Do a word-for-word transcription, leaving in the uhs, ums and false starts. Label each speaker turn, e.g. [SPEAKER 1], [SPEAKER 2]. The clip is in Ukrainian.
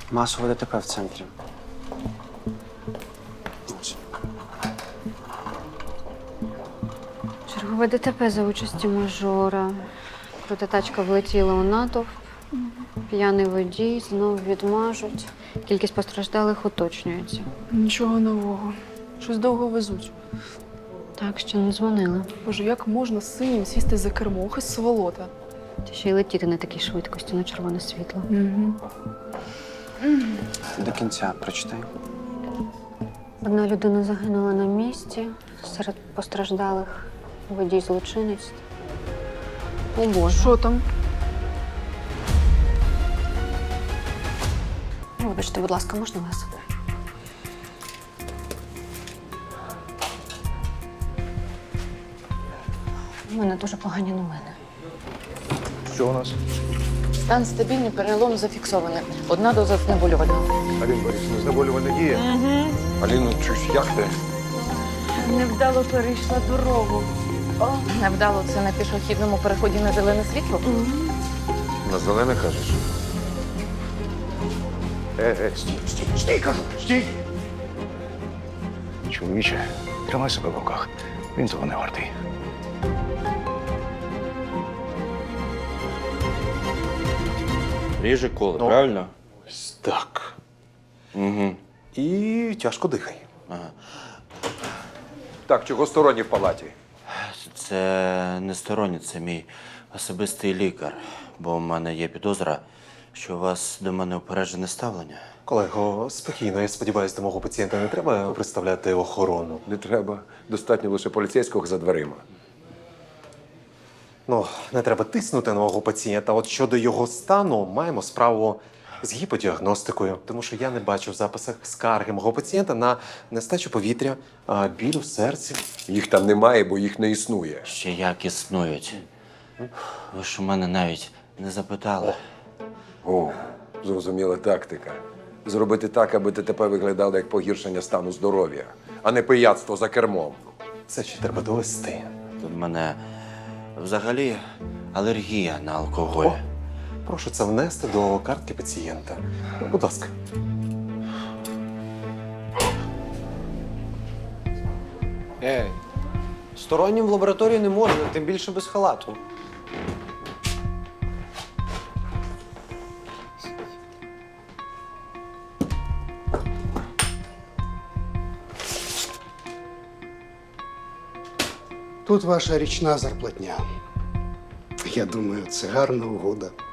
[SPEAKER 1] Масове ДТП в центрі. Ось.
[SPEAKER 2] Чергове ДТП за участі мажора. Крута тачка влетіла у натовп. П'яний водій, знову відмажуть. Кількість постраждалих уточнюється.
[SPEAKER 3] Нічого нового. Щось довго везуть.
[SPEAKER 2] Так, ще не дзвонила.
[SPEAKER 3] Боже, як можна з синім сісти за кермо? Ох, і сволота.
[SPEAKER 2] Та ще й летіти на такій швидкості на червоне світло.
[SPEAKER 3] Угу.
[SPEAKER 1] До кінця прочитай.
[SPEAKER 2] Одна людина загинула на місці. Серед постраждалих водій злочинець. О, Боже.
[SPEAKER 3] Що там?
[SPEAKER 2] Вибачте, будь ласка, можна вас? У мене дуже погані новини.
[SPEAKER 4] Що у нас?
[SPEAKER 5] Стан стабільний, перелом зафіксований. Одна доза знеболювального.
[SPEAKER 4] Аліна Борисівна, знеболювальне діє? Угу. Аліно, чусь, як ти?
[SPEAKER 2] Невдало перейшла дорогу.
[SPEAKER 5] Невдало це на пішохідному переході на зелене світло?
[SPEAKER 4] На зелене кажеш? Е, е, стій, стій, стій, кажу, стій! Чоловіче, тримай себе в руках. Він того не вартий.
[SPEAKER 6] Ріже коло,
[SPEAKER 7] Ну.
[SPEAKER 6] правильно?
[SPEAKER 7] Ось так.
[SPEAKER 6] Угу.
[SPEAKER 7] І тяжко дихай.
[SPEAKER 6] Ага.
[SPEAKER 4] Так, чого сторонні в палаті?
[SPEAKER 6] Це не сторонній, це мій особистий лікар, бо в мене є підозра, що у вас до мене упереджене ставлення.
[SPEAKER 7] Колего, спокійно, я сподіваюся, до мого пацієнта не треба представляти охорону.
[SPEAKER 4] Не треба. Достатньо лише поліцейського за дверима.
[SPEAKER 7] Ну, не треба тиснути на мого пацієнта. От щодо його стану, маємо справу з гіподіагностикою, тому що я не бачу в записах скарги мого пацієнта на нестачу повітря, а, біль у серці.
[SPEAKER 4] Їх там немає, бо їх не існує.
[SPEAKER 6] Ще як існують. Ви ж у мене навіть не запитали.
[SPEAKER 4] О, зрозуміла тактика. Зробити так, аби ДТП виглядало як погіршення стану здоров'я, а не пияцтво за кермом.
[SPEAKER 7] Це ще треба довести.
[SPEAKER 6] Тут в мене взагалі алергія на алкоголь.
[SPEAKER 7] О, прошу це внести до картки пацієнта. Будь ласка.
[SPEAKER 1] Ей, стороннім в лабораторії не можна, тим більше без халату.
[SPEAKER 8] Тут ваша річна зарплатня. Я думаю, це гарна угода.